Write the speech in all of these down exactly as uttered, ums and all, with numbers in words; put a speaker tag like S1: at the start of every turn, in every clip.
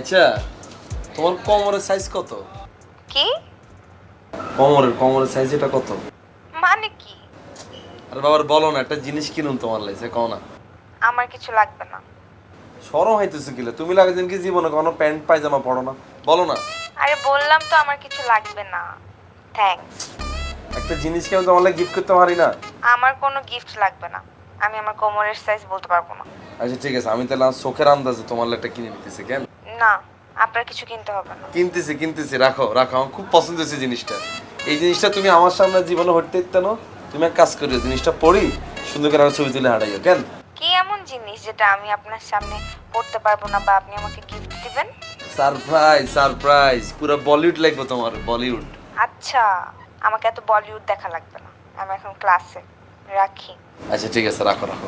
S1: আচ্ছা তোমার কোমরের সাইজ কত?
S2: কি
S1: কোমরের কোমরের সাইজ এটা কত?
S2: মানে কি?
S1: আরে বাবার বলো না, একটা জিনিস কিনুন তোমার লাইছে কও না।
S2: আমার কিছু লাগবে না।
S1: শরম হইতেছে কিলে, তুমি লাগে দিন কি জীবনে কোনো প্যান্ট পায়জামা পড়ো না, বলো না।
S2: আরে বললাম তো আমার কিছু লাগবে না। থ্যাঙ্কস।
S1: একটা জিনিস কি আমি তোমার লাগে গিফট করতে পারি না?
S2: আমার কোনো গিফট লাগবে না। আমি আমার কোমরের সাইজ বলতে পারবো না।
S1: আচ্ছা ঠিক আছে, আমি তাহলে আজ চোখের আন্দাজে তোমার লাগে একটা কিনে নিতেছি। কেন?
S2: না, আপনার কিছু কিনতে হবে না।
S1: কিনতেছি কিনতেছি, রাখো রাখো, আমার খুব পছন্দ হয়েছে জিনিসটা। এই জিনিসটা তুমি আমার সামনে জীবনে হটতে দিতে না, তুমি এক কাজ করিও, জিনিসটা পড়ি সুন্দর করে আমার ছবি তুলে হাঁটাইও। কেন?
S2: কি এমন জিনিস যেটা আমি আপনার সামনে পড়তে পারবো না বা আপনি আমাকে গিফট দিবেন?
S1: সারপ্রাইজ সারপ্রাইজ, পুরো বলিউড লাগবে তোমার, বলিউড।
S2: আচ্ছা, আমাকে এত বলিউড দেখা লাগবে না। আমি এখন ক্লাসে, রাখি।
S1: আচ্ছা ঠিক আছে, রাখো রাখো।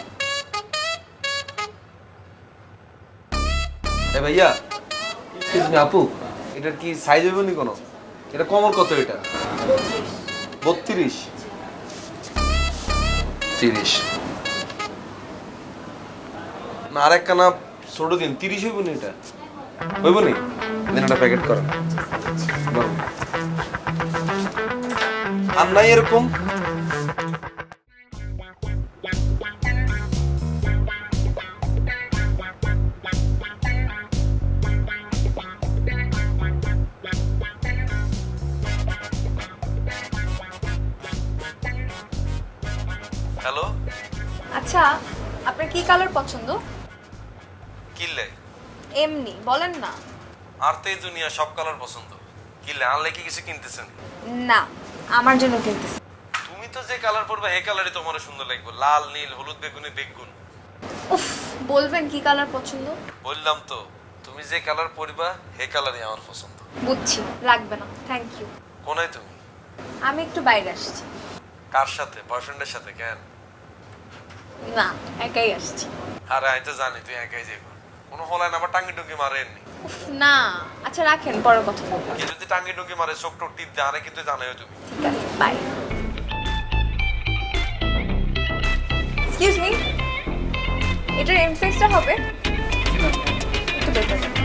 S1: এ ভাইয়া, এক্সকিউজ মি আপু, এটার কি সাইজ হবে নি কোনো? এটা কমর কত এটা? বত্রিশ তিরিশ না, আর এক কানা ছোট দিন, তিরিশ হইব নি? এটা হইব নি? দিন একটা প্যাকেট করেন। বলো। আর নাই এরকম? হ্যালো,
S3: আচ্ছা, আপনার কি কালার পছন্দ?
S1: কিনলে?
S3: এমনি বলেন না।
S1: আর তো এই দুনিয়া সব কালার পছন্দ। কিনলে আনলে কি কিছু কিনতেছেন?
S3: না, আমার জন্য কিনতেছি।
S1: তুমি তো যে কালার পরবে এই কালারই তোমার সুন্দর লাগবে, লাল নীল হলুদ বেগুনি বেগুন।
S3: উফ, বলবেন কি কালার পছন্দ?
S1: বললাম তো, তুমি যে কালার পরবা এই কালারই আমার পছন্দ।
S3: বুঝছি, লাগবে না, থ্যাংক ইউ।
S1: কোনায় তুমি?
S3: আমি একটু বাইরে আসছি।
S1: কার সাথে? বয়ফ্রেন্ডের সাথে? কেন?
S3: না, একাই আসছি।
S1: আরে আমি তো জানি তুই একাই যাইব, কোনো হলায় না আবার টাঙ্গি টুঙ্গি মারেননি।
S3: উফ, না, আচ্ছা রাখেন, পরে কথা বলবো।
S1: কে যদি টাঙ্গি টুঙ্গি মারে চোখ টোক টিপ দেয়, আরে কিন্তু জানাইও তুমি।
S3: ঠিক আছে, বাই। এক্সকিউজ মি, এটার এম সাইজটা হবে? একটু দেখে যান।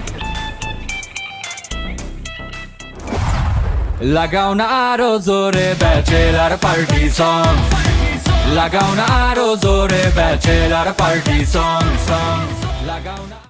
S4: লাগাও না আরো জোরে ব্যাচেলার পার্টি সং, লাগাও না আরো জোরে ব্যাচেলার পার্টি সং সং, লাগাও না।